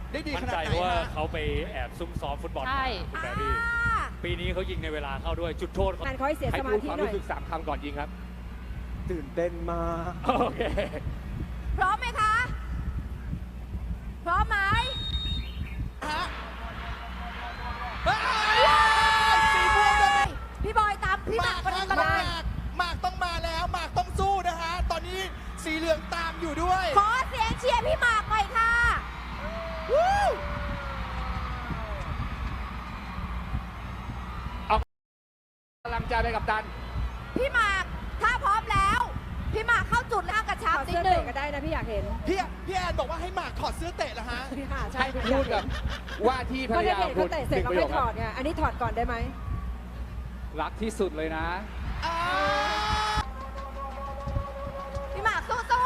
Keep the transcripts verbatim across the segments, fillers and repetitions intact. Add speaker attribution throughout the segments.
Speaker 1: ได้ดีข
Speaker 2: มั่น
Speaker 1: นาด
Speaker 2: ใจ
Speaker 1: ไหน
Speaker 2: ว่า
Speaker 1: ฮะ
Speaker 2: เขาไปแอบซุ่มซ้อมฟุตบอล
Speaker 3: ใช่
Speaker 2: มาคุณแบรี่ปีนี้เขายิงในเวลาเข้าด้วยจุดโทษเขา
Speaker 4: งานเขาให้เสีย
Speaker 5: ให้
Speaker 4: สมา
Speaker 5: พูด
Speaker 4: ธิ
Speaker 5: ความ
Speaker 4: หน่อย
Speaker 5: รู้สึกสามคำก่อนยิงครับ ตื่นเต้นมาก
Speaker 2: โอเค
Speaker 3: พร้อมไหมคะ พร้อมไหม
Speaker 1: ฮะเฮ้ยสีม่วงเลย
Speaker 3: พี่บอยตามพี่ห
Speaker 1: ห
Speaker 3: มาม
Speaker 1: าก ก
Speaker 3: ประ
Speaker 1: ฮะ
Speaker 3: เด็น
Speaker 1: ห
Speaker 3: ประ
Speaker 1: มาก
Speaker 3: เด็น
Speaker 1: หมากต้องมาแล้วหมากต้องสู้นะฮะ ตอนนี้สีเหลืองตามอยู่ด้วย
Speaker 3: ขอเสียงเชียร์พี่หมากหน่อยค่ะ
Speaker 1: วู้
Speaker 5: กำลังใจไปกับตัน
Speaker 3: พี่หมากถ้าพร้อมแล้ว พี่หมากเข้าจุดแล้วกระชับ
Speaker 4: ถอด
Speaker 3: นิด
Speaker 4: เสื้อ
Speaker 3: นึง
Speaker 4: เตะก็ได้นะพี่อยากเห็น
Speaker 1: พี่พี่แอนบอกว่าให้หมากถอดเสื้อเตะเหรอฮะ
Speaker 4: ค่ะใช่
Speaker 5: ให้พูดกับว่าที่ภร
Speaker 4: เพ
Speaker 5: ร
Speaker 4: ราะถ้าย
Speaker 5: า
Speaker 4: เห็น
Speaker 5: คุ
Speaker 4: เขา
Speaker 5: ณ
Speaker 4: เตะ
Speaker 5: ห
Speaker 4: เสร็จ
Speaker 5: นึ่ง
Speaker 4: เขา
Speaker 5: ประโย
Speaker 4: ไม่
Speaker 5: ค
Speaker 4: ถ
Speaker 5: ค
Speaker 4: อ
Speaker 5: รั
Speaker 4: ด
Speaker 5: บ
Speaker 4: ไงอันนี้ถอดก่อนได้ไหม
Speaker 5: รักที่สุดเลยนะ
Speaker 1: อ่า
Speaker 3: พี่หมากสู้สู้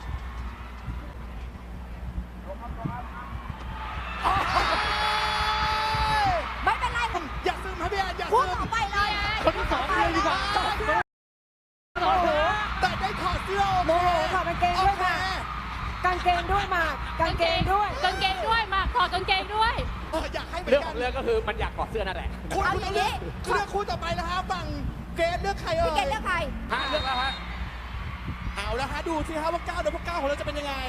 Speaker 3: ไม่เป็นไร
Speaker 1: อย่าซึมฮะพี่แอนอย่า
Speaker 3: พูด
Speaker 1: ซึม
Speaker 3: ต่อไปเลย
Speaker 2: คนที่สองเลยดีกว่า
Speaker 4: โอ้โห
Speaker 1: แต่ได้ถอดเสื้อโอ
Speaker 4: โม
Speaker 1: เค
Speaker 4: โหถอดกางเกง
Speaker 1: โอ
Speaker 4: ด้วย
Speaker 1: เค
Speaker 4: ค่ะกางเกงด้วยหมากกางเกงด้วย
Speaker 3: กางเกงด้วยหมากถอดกางเกงด้วย
Speaker 1: เอออยากให้เหมือ
Speaker 5: เรื่อง
Speaker 1: น
Speaker 5: ข
Speaker 1: กั
Speaker 5: อน งเรื่องก็คือมันอยากกอดเสื้อนั่นแหละ
Speaker 1: คุณ
Speaker 3: เอา
Speaker 1: คุณ
Speaker 3: อย่าง
Speaker 1: เลื
Speaker 3: นี้
Speaker 1: อกเลือกคู่ต่อไปแล้วฮะฝั่งเกรดเลือกใครเอ่
Speaker 3: พี่เกด
Speaker 1: ย
Speaker 3: เลือกใคร
Speaker 5: ฮะเลือกแล้วฮะ
Speaker 1: เอาละฮะดูสิฮะว่าก้าวเดือนพวกก้าวของเราจะเป็นยังไง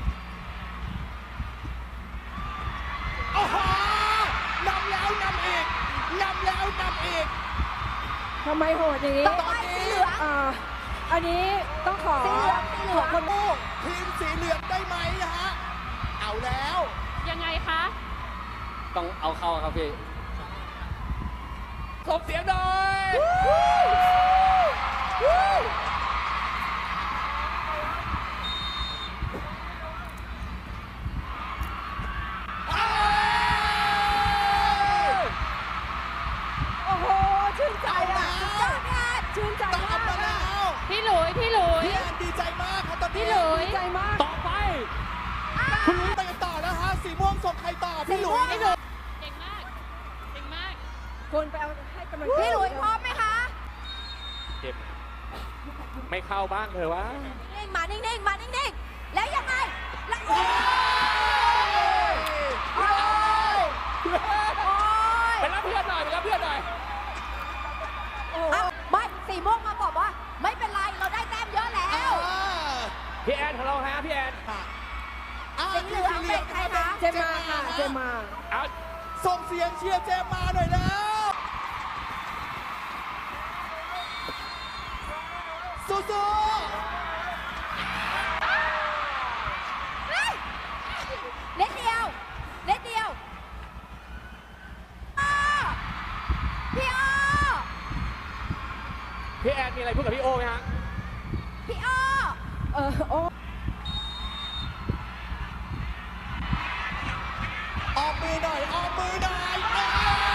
Speaker 1: โอ้โหนำแล้วนำอีกนำแล้วนำอีก
Speaker 4: ทำไมโหดอย่างนี้
Speaker 3: ต่อไปสีเหลือง
Speaker 4: อ่าอันนี้ต้องขอ
Speaker 3: สีเหลืองสีเหลื
Speaker 4: ข
Speaker 3: อ
Speaker 4: อง คน
Speaker 1: ลูกทีมสีเหลืองได้ไหมนะฮะเอาแล้ว
Speaker 3: ยังไงคะ
Speaker 5: ต้องเอาเข้าครับพี่ส่งเสียงหน่อย
Speaker 4: โอ้โหชื่นใจ
Speaker 1: เอา
Speaker 4: อ่ะ
Speaker 1: แล้ว
Speaker 3: ยอดพี่แอน
Speaker 4: ชื่นใจ
Speaker 1: ตาม
Speaker 4: มาก
Speaker 1: มาแล้ว
Speaker 3: พี่หลุยพี่หลุย
Speaker 1: พี่แอนดีใจมากครับตอนนี้
Speaker 3: พี่หลุย
Speaker 4: ดีใจมาก
Speaker 2: ต่อไป
Speaker 1: คุณลุยไปกันต่อแล้วฮะสีม่วงส่งใครต่อพี่หลุยนะฮะ
Speaker 3: เก่งมาก เก่งมาก
Speaker 4: คนไปเอาให้กำลังใจ
Speaker 3: พี่หลุยพร้อมไหมคะ
Speaker 5: เจ็บไม่เข้าบ้างเถอะวะ
Speaker 3: นิ่งๆมานิ่งๆมานิ่งๆแล้วยังไงแล้วโอ้ยโอ้ยโอ้ย
Speaker 5: ไปรับเพื่อนหน่อยไปรับเพื่อนหน่อย
Speaker 3: อ่ะไม่สีม่วงมาบอกว่า ไม่เป็นไรเราได้แต้มเยอะแล้
Speaker 1: อ่าว
Speaker 5: พี่แอนของเราฮะพี่แอน
Speaker 1: ค่ะอ่า
Speaker 3: สีเหลืองเป็นใครคะ
Speaker 4: เจมมาค่ะเจมมา
Speaker 5: เอา
Speaker 1: ส่งเสียงเชียร์เจมมาหน่อยแล้วสู้ๆ
Speaker 3: เฮ้ยเล็ดเดียวเล็ดเดียวอ้อพี่อ้อ
Speaker 5: พี่แอนมีอะไรพูดกับพี่โอไหมฮะ
Speaker 3: พี่อ้อ
Speaker 4: เออโอ้
Speaker 1: ออกมือหน่อย ออกมือหน่อยอ้าว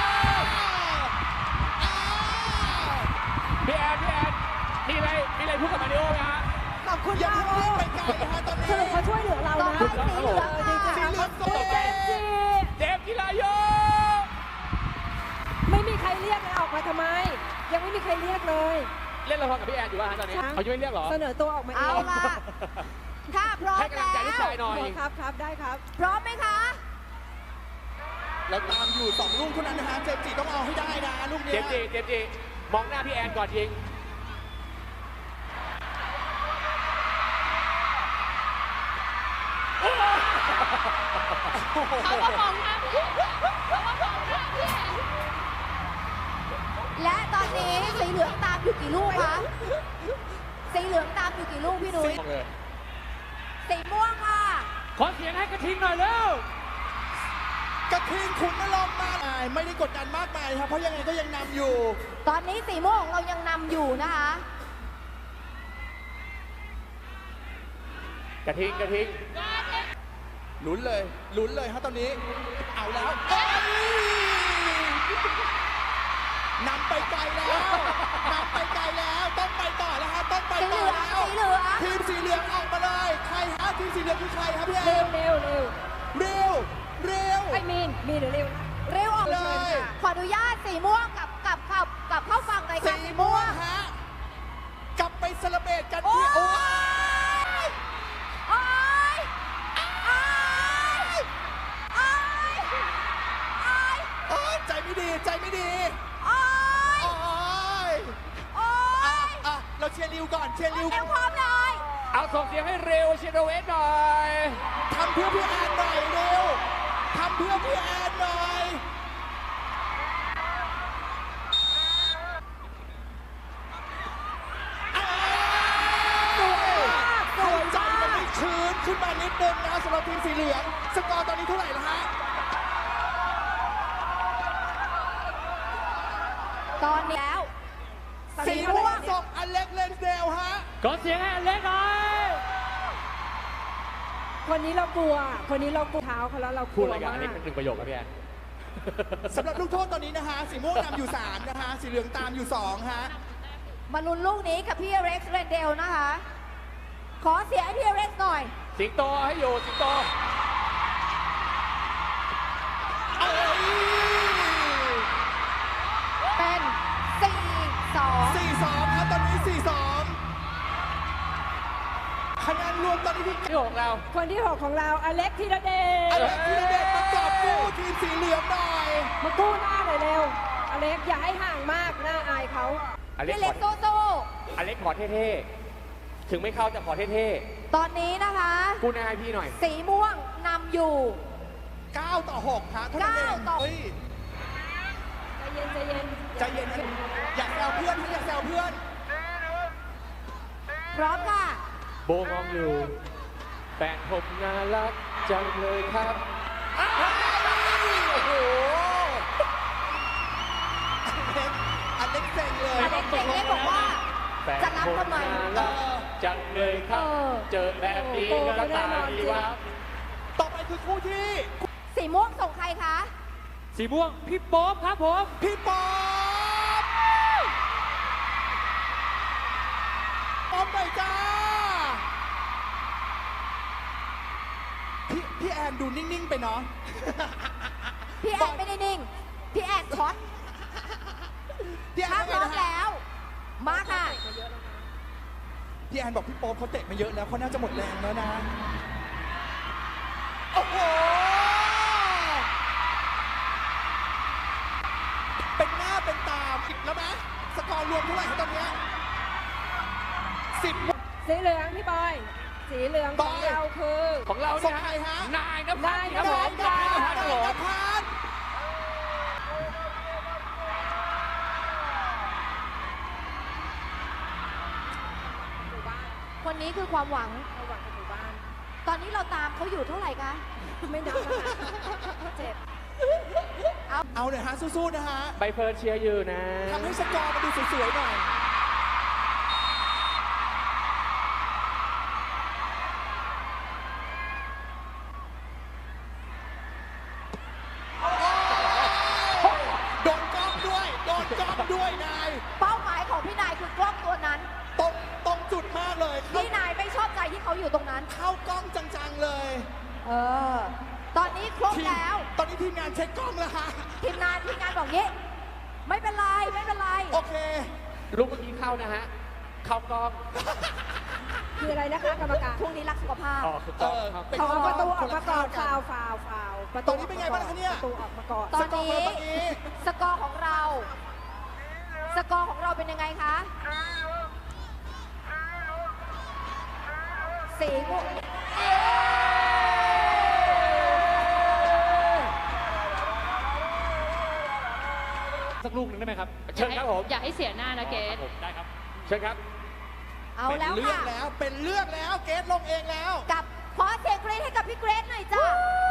Speaker 1: อ้าว
Speaker 5: พี่แอนพี่แอนมีอะไรมีอะไรพูดกับมาริโอไหมฮะ
Speaker 4: ขอบคุณ
Speaker 1: อย่าม
Speaker 4: าก
Speaker 1: เพิ่ง
Speaker 4: โอ้
Speaker 1: รีบไปไกลนะฮะตอนนี้
Speaker 4: สรุปเขาช่วยเหลือเรา
Speaker 3: ต่อ
Speaker 4: นะ
Speaker 3: ไปสีเหลือง
Speaker 4: ดีใจ
Speaker 1: สีเหลืองส่ง
Speaker 4: เจ
Speaker 1: ไป
Speaker 4: มส์จี
Speaker 5: เจมส์จิรายุ
Speaker 4: ไม่มีใครเรียกเลยออกมาทำไม ยังไม่มีใครเรียกเลย
Speaker 5: เล่นละครกับพี่แอนอยู่ป่ะฮะตอนนี้
Speaker 4: ช้าง
Speaker 5: เขายังไม่เรียกเหรอ
Speaker 4: เสนอตัวออกมาเอ
Speaker 3: เอา
Speaker 4: ง
Speaker 3: ล่ะ ถ้าพร้อม
Speaker 5: ให้กำลั
Speaker 3: แล้
Speaker 5: งใจลูกชายว หน่อย
Speaker 4: โอ้ครับครับได้ครับ
Speaker 3: พร้อมไหมคะ
Speaker 1: เราตามอยู่สองลูกเท่านั้นนะฮะ เจมส์จิต้องเอาให้ได้นะลูก
Speaker 5: เจ
Speaker 1: เนี้
Speaker 5: มส์จีเจมส์จีมองหน้าพี่แอนก่อนยิง
Speaker 3: เขาก็มองหน้าพี่เขาก็มองหน้าพี่และตอนนี้สีเหลืองตามอยู่กี่ลูกคะ สีเหลืองตามอยู่กี่ลูกพี่นุ้ย
Speaker 5: มองเลย
Speaker 3: สีม่วงค่ะ
Speaker 2: ขอเสียงให้กระทิงหน่อยเร็ว
Speaker 1: กระทิงขุนนรงค์มาไม่ได้กดดันมากมายครับ เพราะยังไงก็ยังนำอยู่
Speaker 3: ตอนนี้สีม่วงของเรายังนำอยู่นะคะ
Speaker 5: กระทิงกระทิง
Speaker 1: ลุ้นเลย ลุ้นเลยฮะตอนนี้ เอาแล้วเอ้ยนำไปไกลแล้วนำไปไกลแล้ว ต้องไปต่อแล้วฮะ ต้องไป
Speaker 3: สีเห
Speaker 1: ต่อ
Speaker 3: ลือง
Speaker 1: แล้ว
Speaker 3: สีเหลือง
Speaker 1: ทีมสีเหลืองออกมาเลย ใครฮะทีมสีเหลืองคือใครครับพี่เอ
Speaker 4: เร็ว
Speaker 1: ม
Speaker 4: เร็วเร็ว
Speaker 1: เร็ว เร็ว
Speaker 4: ไอ้มีนมีนหรือเร็วนะ
Speaker 3: เร็วออก
Speaker 1: เลย
Speaker 3: ขออนุญาตสีม่วงกับกับกับกับเข้าฟังรายการ
Speaker 1: สี
Speaker 3: สี
Speaker 1: ม่
Speaker 3: ม่
Speaker 1: ว
Speaker 3: ว
Speaker 1: ง
Speaker 3: ง
Speaker 1: ฮะ กลับไปเซเลบเรตกัน
Speaker 3: โอ้
Speaker 1: ที่
Speaker 3: ย
Speaker 1: โอ้ย
Speaker 3: โอ้ยโอ้ยโอ้ย
Speaker 1: ใจไม่ดี
Speaker 3: โอ๊ย
Speaker 1: โอ้ย
Speaker 3: โอ๊
Speaker 1: อ่ะ
Speaker 3: ย
Speaker 1: อ่ะเราเชียร์ริวก่อนเชียร์ริว
Speaker 3: เร็วพร้อมเลย
Speaker 5: เอาส่งเสียงให้เร็วเชโดเวสหน่อย
Speaker 1: ทำเพื่อพี่แอนหน่อยเร็วทำเพื่อพี่แอนหน่อยอ่าสวยสวยใจมันไม่ชื้นขึ้นมานิดนึงนะสำหรับทีมสีเหลือง สกอร์ตอนนี้เท่าไหร่แล้วฮะ
Speaker 3: ตอนนี้แล้ว
Speaker 1: สีม่วงส่งอเล็กเลนเดลฮะ
Speaker 2: ขอเสียงให้อเล็กหน่อย
Speaker 4: คนนี้เรากลัว คนนี้เรากลัวเท้าเขาแล้วเราก
Speaker 5: พู
Speaker 4: ลั
Speaker 5: ด
Speaker 4: ว
Speaker 5: อะไรกัน
Speaker 4: มา
Speaker 5: อันนี้
Speaker 4: ก
Speaker 5: เป็นหนึ่งประโยคครับพี่แอน
Speaker 1: สำหรับลูกโทษตอนนี้นะฮะ สีม่วงนำอยู่สามนะฮะ สีเหลืองตามอยู่สองฮะ
Speaker 3: มาลุ้นลูกนี้กับพี่เร็กซ์เรนเดลนะคะ ขอเสียงให้พี่เร็กซ์หน่อย
Speaker 5: สิงโตให้อยู่สิงโต
Speaker 1: เอ้ย
Speaker 3: เป็นสี่สอง
Speaker 1: สี่สองครับตอนนี้สี่สองคะแนนรวมตอนนี้ที่
Speaker 5: ที่หกเรา
Speaker 4: คนที่หกของเราอเล็กธีรเด
Speaker 1: อ
Speaker 4: ช
Speaker 1: เล็กธีรเดชประกอบกู้ทีมสีเหลืองหน่อย
Speaker 4: มากู้หน้าหน่อยเร็ว อเล็กอย่าให้ห่างมากหน้าอายเขา
Speaker 5: อเล็ก
Speaker 3: พี่
Speaker 5: ข
Speaker 3: เล็
Speaker 5: อก
Speaker 3: โซโซ
Speaker 5: อเล็กขอเท่ๆ ถึงไม่เข้าแต่ขอเท่
Speaker 3: ตอนนี้นะคะ
Speaker 5: ๆ กู้หน้าให้พี่หน่อย
Speaker 3: สีม่วงนำอยู่
Speaker 1: เก้าต่อหกฮะเท่านั้นเอง
Speaker 3: เก้าต่อ
Speaker 1: เฮ้ย
Speaker 4: ใจเย็นใจเย็น
Speaker 1: ใจเย็นนะอย่าแซวเพื่อนนะอย่าแซวเพื่อน
Speaker 3: พร้อมค่ะ
Speaker 5: โบมองอยู่ แฟนผมน่ารักจังเลยครับ
Speaker 1: อ้าวโอ้โหอเล็กเซ็งเลย
Speaker 3: อเล็กเซ็งเล็กบอกว่า
Speaker 5: แฟน
Speaker 3: จะรับ
Speaker 5: ผม
Speaker 3: ทำไม
Speaker 5: น่ารักจังเลยครับ
Speaker 3: เออ
Speaker 5: เจอแบบนี้ก็ตาดีวะ
Speaker 1: ต่อไปคือคู่ที่
Speaker 3: สีม่วงส่งใครคะ
Speaker 2: สีม่วงพี่โป๊ปครับผม
Speaker 1: พี่ป๊อปป๊อปหน่อยจ้า พี่พี่แอนดูนิ่ง ๆ ไปเนาะ
Speaker 3: พี่แอนไม่ได้นิ่ง พี่แอนช็อต
Speaker 1: พี่แอน
Speaker 3: ถ้า
Speaker 1: ว่า
Speaker 3: พ
Speaker 1: ไง
Speaker 3: ร้อม
Speaker 1: นะฮะ
Speaker 3: แล้ว มาค่ะ
Speaker 1: พี่แอนบอกพี่โป๊ปเขาเตะมาเยอะแล้วเขาน่าจะหมดแรงแล้วนะ โอ้โห เป็นหน้าเป็นตาสิบแล้วไหมสกอร์รวมเท่าไหร่ครับตอนเนี้ยสิบ
Speaker 4: สีเหลืองพี่บอย สีเหลืองของเราคือ
Speaker 5: ของเรา
Speaker 1: ส่
Speaker 5: เนี่
Speaker 1: ง
Speaker 5: ย
Speaker 1: ใครฮะ
Speaker 5: นายนภัสครับผม
Speaker 1: นาย
Speaker 5: นายน
Speaker 1: น
Speaker 5: ภัสครับผม
Speaker 1: ภัส
Speaker 4: หมู่บ้าน
Speaker 3: คนนี้คือความหวัง
Speaker 4: ระหว่างกับหมู่บ้าน
Speaker 3: ตอนนี้เราตามเขาอยู่เท่าไหร่คะ
Speaker 4: ไม่นับนะคะเจ็บ
Speaker 1: เอาหน่อยฮะ สู้ๆนะฮะ
Speaker 5: ใบเฟิร์นเชียร์อยู่นะ
Speaker 1: ทำให้สกอร์มาดูสวยๆหน่อย โดนกล้องด้วย โดนกล้องด้วยนาย
Speaker 3: เป้าหมายของพี่นายคือกล้องตัวนั้น
Speaker 1: ตรงตรงจุดมากเลย เข้า
Speaker 3: พี่นายไม่ชอบใจที่เขาอยู่ตรงนั้น
Speaker 1: เข้ากล้องจังๆเลย
Speaker 3: เออ ตอนนี้ครบ
Speaker 1: ทีม
Speaker 3: แล้ว
Speaker 1: ตอนนี้ทีมงานเช็คกล้องแล้วฮะ
Speaker 3: ทีมงานทีมงานบอกงี้ ไม่เป็นไร ไม่เป็นไร
Speaker 1: โอเค
Speaker 5: ลูกเมื่อกี้เข้านะฮะ เข้ากล้อง
Speaker 4: คืออะไรนะคะกรรมการ
Speaker 3: พรุ่งนี้รักสุขภาพ
Speaker 5: อ๋อคือก
Speaker 1: เอ
Speaker 5: ล้อง
Speaker 1: อ
Speaker 5: ครับ
Speaker 1: เป็น
Speaker 4: เขาเอาประตูอ
Speaker 1: ค
Speaker 4: อก
Speaker 1: น
Speaker 4: มา
Speaker 1: ละ
Speaker 4: ก่อน
Speaker 1: ข้
Speaker 4: ฟาววฟาวฟาวประ
Speaker 1: ตอนนี้เป็นไงบ้างคะเนี่ย
Speaker 4: ประตูออกมาก่อน
Speaker 3: ตอนนี้
Speaker 1: สกอร์เมื่อกี้
Speaker 3: สกอร์ของเรา สกอร์ของเราเป็นยังไงคะ สีม่วง
Speaker 2: สักลูกหนึ่งได้ไหมครับ
Speaker 5: เชิญครับผม
Speaker 6: อย่าให้เสียหน้านะเกส
Speaker 2: ผมได้ครับ
Speaker 5: เชิญครับ
Speaker 3: เอา
Speaker 1: เป็น
Speaker 3: แล้ว
Speaker 1: เรื่อง
Speaker 3: ค่ะ
Speaker 1: แล้ว เป็นเรื่องแล้ว เกตลงเองแล้ว
Speaker 3: กับขอเสียงกรี๊ดให้กับพี่เกรซหน่อยจ้า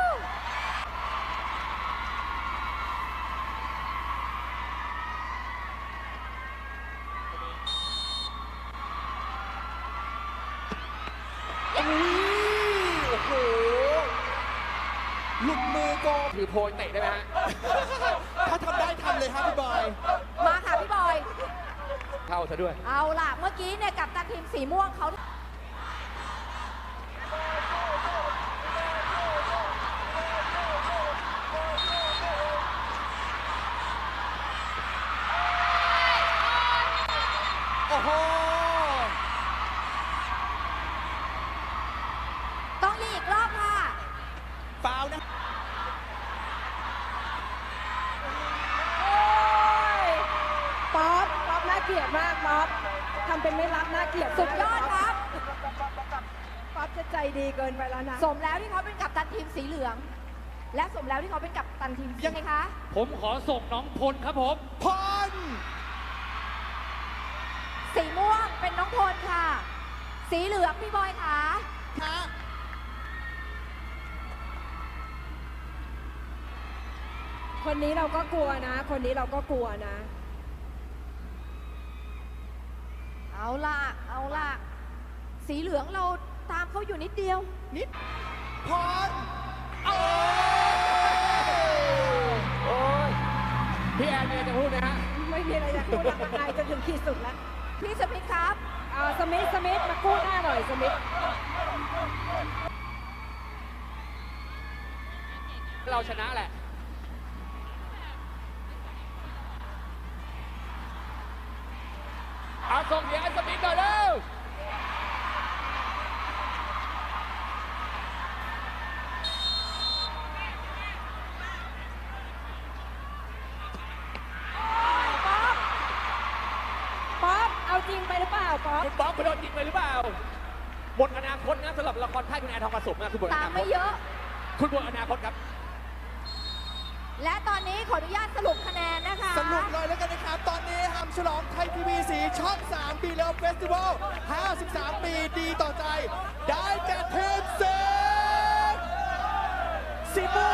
Speaker 1: อุ้ยโอ้โห หลุดมือโกง
Speaker 5: ถือโพยเตะได้ไหมฮะ
Speaker 1: ถ้าทำได้ทำเลยครับพี่บอย
Speaker 3: มาค่ะพี่บอย
Speaker 5: เข้าซะด้วย
Speaker 3: เอาล่ะ เมื่อกี้เนี่ยกับตันทีมสีม่วงเขา
Speaker 1: โอ้โห
Speaker 3: ต้องยิงอีกรอบค่ะ
Speaker 1: ฟาวล์นะ
Speaker 3: โ
Speaker 4: เกลียดมากป๊อปทำเป็นไม่รักน่าเกลียด
Speaker 3: สุดยอดครับ
Speaker 4: ป๊อปจะใจดีเกินไปแล้วนะ
Speaker 3: สมแล้วที่เขาเป็นกัปตันทีมสีเหลือง และสมแล้วที่เขาเป็นกัปตันทีมยังไงคะ
Speaker 2: ผมขอส่งน้องพลครับผม
Speaker 1: พร
Speaker 3: สีม่วงเป็นน้องพลค่ะ สีเหลืองพี่บอยค่ะ
Speaker 1: ฮะ
Speaker 4: คนนี้เราก็กลัวนะ คนนี้เราก็กลัวนะ
Speaker 3: เอาล่ะ เอาล่ะ สีเหลืองเราตามเขาอยู่นิดเดียว
Speaker 1: นิดพรโอ้
Speaker 5: โอ้ยพี่แอนมีอะไรจะพูดไหมฮะ
Speaker 4: ไม่มีอะไรจะพูดแล้วอายจนถึงขีดสุดแล้ว
Speaker 3: พี่สมิธครับ
Speaker 4: เอาสมิธสมิธมากู้หน้าหน่อยสมิธ
Speaker 5: เราชนะแหละ เอาส่งเสียงให้สมิธหน่อยเร็ว
Speaker 4: ป๊อปเอาจริงไปหรือเปล่าป๊อป
Speaker 5: คุณป๊อกคุณโดนยิงไปหรือเปล่าหมดอนาคตนะสำหรับละครค่ายคุณแอนทองผสมนะคุณหมดอ
Speaker 3: ตาม
Speaker 5: นาค
Speaker 3: ไม่
Speaker 5: ต
Speaker 3: เยอะ
Speaker 5: คุณหมดอนาคตครับ
Speaker 3: และตอนนี้ขออนุญาตสรุปคะแนนนะคะ
Speaker 1: สรุปเลยแล้วกันนะครับ ตอนนี้ฮัมฉลองไทยทีวีสีช่องสามปีแล้วเฟสติวัลห้าสิบสามปีดีต่อใจ ได้แก่ทีมสีสีม่ว